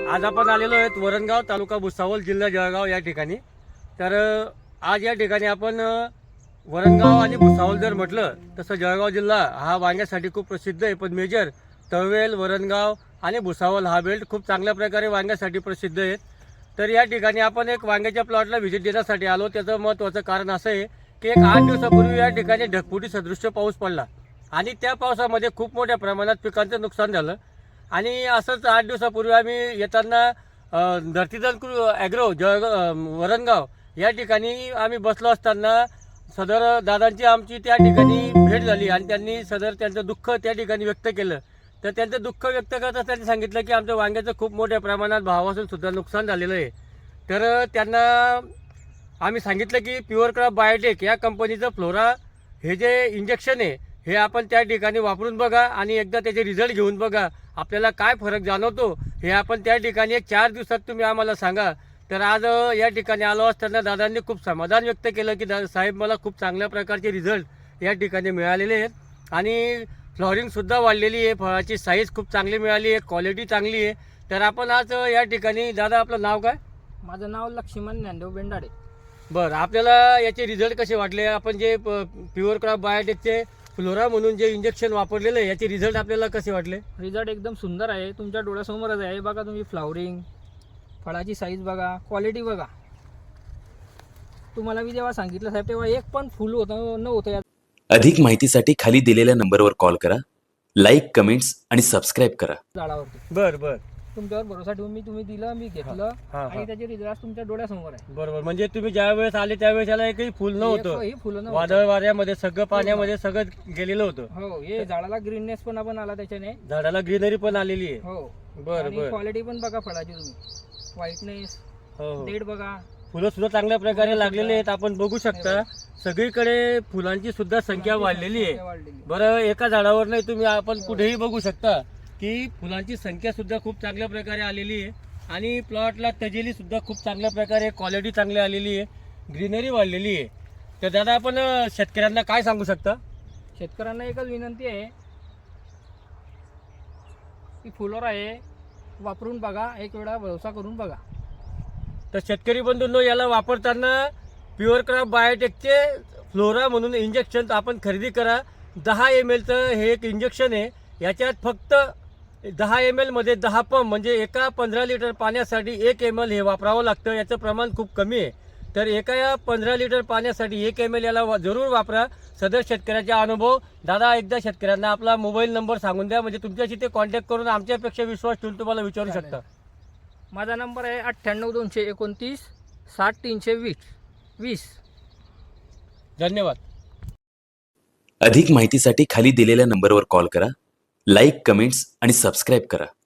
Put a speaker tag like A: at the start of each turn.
A: आज आपण आलेलो आहेत वरणगाव तालुका भुसावळ जिल्हा जळगाव या ठिकाणी। तर आज या ठिकाणी आपण वरणगाव आणि भुसावळ जर म्हटलं तसं जळगाव जिल्हा हा वांग्यासाठी खूप प्रसिद्ध आहे। पण मेजर तळवेल वरणगाव आणि भुसावळ हा बेल्ट खूप चांगल्या प्रकारे वांग्यासाठी प्रसिद्ध आहे। तर या ठिकाणी आपण एक वांग्याच्या प्लॉटला व्हिजिट देण्यासाठी आलो। त्याचं महत्त्वाचं कारण असं आहे की एक 8 दिवसापूर्वी या ठिकाणी ढगफुटी सदृश्य पाऊस पडला आणि त्या पावसामध्ये खूप मोठ्या प्रमाणात पिकांचं नुकसान झालं। आणि असंच 8 दिवसापूर्वी आम्ही येताना धरतीधर ॲग्रो वरणगाव या ठिकाणी आम्ही बसलो असताना सदर दादांची आमची त्या ठिकाणी भेट झाली आणि त्यांनी सदर त्यांचं दुःख त्या ठिकाणी व्यक्त केलं। तर त्यांचं दुःख व्यक्त करताना त्यांनी सांगितलं की आमच्या वांग्याचं खूप मोठ्या प्रमाणात भावापासून सुद्धा नुकसान झालेलं आहे। तर त्यांना आम्ही सांगितलं की प्युअर क्रॉप बायोटेक या कंपनीचं फ्लोरा हे जे इंजेक्शन आहे हे आपण त्या ठिकाणी वापरून बघा आणि एकदा त्याचे रिझल्ट घेऊन बघा, आपल्याला काय फरक जाणवतो हे आपण त्या ठिकाणी एक 4 दिवसात तुम्ही आम्हाला सांगा। तर आज या ठिकाणी आलो असताना दादांनी खूप समाधान व्यक्त केलं की साहेब मला खूप चांगल्या प्रकारचे रिझल्ट या ठिकाणी मिळालेले आहेत आणि फ्लॉवरिंगसुद्धा वाढलेली आहे, फळाची साईज खूप चांगली मिळाली आहे, क्वालिटी चांगली आहे। तर आपण आज या ठिकाणी दादा आपलं नाव काय?
B: माझं नाव लक्ष्मण ज्ञानदेव बेंडाडे।
A: बरं, आपल्याला याचे रिझल्ट कसे वाटले? आपण जे प्युअर क्रॉप बायोटेकचे फ्लोरा म्हणून जे इंजेक्शन वापरलेलं आहे याचे रिझल्ट आपल्याला कसे वाटले?
B: रिझल्ट एकदम सुंदर आहे, तुमच्या डोळ्यासमोरच आहे। बघा तुम्ही फ्लावरिंग, फळाची साईज बघा, क्वालिटी बघा। तुम्हाला मी जेव्हा सांगितलं साहेब तेव्हा एक पण फुल नव्हतं यात।
C: अधिक माहितीसाठी खाली दिलेल्या नंबरवर कॉल करा, लाईक, कमेंट्स आणि सबस्क्राईब करा
B: झाडावरती
A: बरं
B: तुमच्यावर भरोसा ठेवून तुम्ही दिलं, मी घेतलं
A: हा.
B: आणि त्याचे रिझल्ट तुमच्या डोळ्यासमोर आहे।
A: बरोबर, म्हणजे तुम्ही ज्या वेळेस आले त्यावेळेस याला एकही फुल नव्हतं,
B: एकही फुलं नव्हतं।
A: वादळ वाऱ्यामध्ये सगळं पाण्यामध्ये सगळं गेलेलं होतं।
B: हो, हे झाडाला ग्रीननेस पण आपण आला त्याच्याने।
A: झाडाला ग्रीनरी पण आलेली आहे।
B: हो,
A: बरं
B: आणि
A: बरं,
B: क्वालिटी पण बघा फळाची तुम्ही, व्हाईटनेस,
A: हो हो,
B: डेट बघा।
A: फुलं सुद्धा चांगल्या प्रकारे लागलेली आहेत, आपण बघू शकता सगळीकडे फुलांची सुद्धा संख्या वाढलेली आहे।
B: वाढलेली।
A: बरं, एका झाडावर नाही, तुम्ही आपण कुठेही बघू शकता की फुलांची संख्या सुद्धा खूप चांगल्या प्रकारे आलेली आहे आणि प्लॉटला तजेली सुद्धा खूप चांगल्या प्रकारे, क्वालिटी चांगली आलेली आहे, ग्रीनरी वाढलेली आहे। तर दादा आपण शेतकऱ्यांना काय सांगू शकता?
B: शेतकऱ्यांना एकच विनंती आहे की फ्लोरा आहे वापरून बघा, एक वेळा भरोसा करून बघा।
A: तर शेतकरी बंधूंनो, याला वापरताना प्युअर क्रॉप बायोटेकचे फ्लोरा म्हणून इंजेक्शन आपण खरेदी करा। 10 ml हे एक इंजेक्शन आहे, याच्यात फक्त 10 ml मध्ये 10 पंप, म्हणजे एका 15 लिटर पाण्यासाठी 1 ml हे वापरावं लागतं। याचं प्रमाण खूप कमी आहे, तर एका 15 लिटर पाण्यासाठी 1 ml याला जरूर वापरा। सदर शेतकऱ्याचा अनुभव दादा एकदा शेतकऱ्यांना आपला मोबाईल नंबर सांगून द्या, म्हणजे तुमच्याशी ते कॉन्टॅक्ट करून आमच्यापेक्षा विश्वास ठेवून तुम्हाला विचारू शकता।
B: माझा नंबर आहे 98 229 60 320।
A: धन्यवाद।
C: अधिक माहितीसाठी खाली दिलेल्या नंबरवर कॉल करा, लाईक, कमेंट्स आणि सबस्क्राईब करा।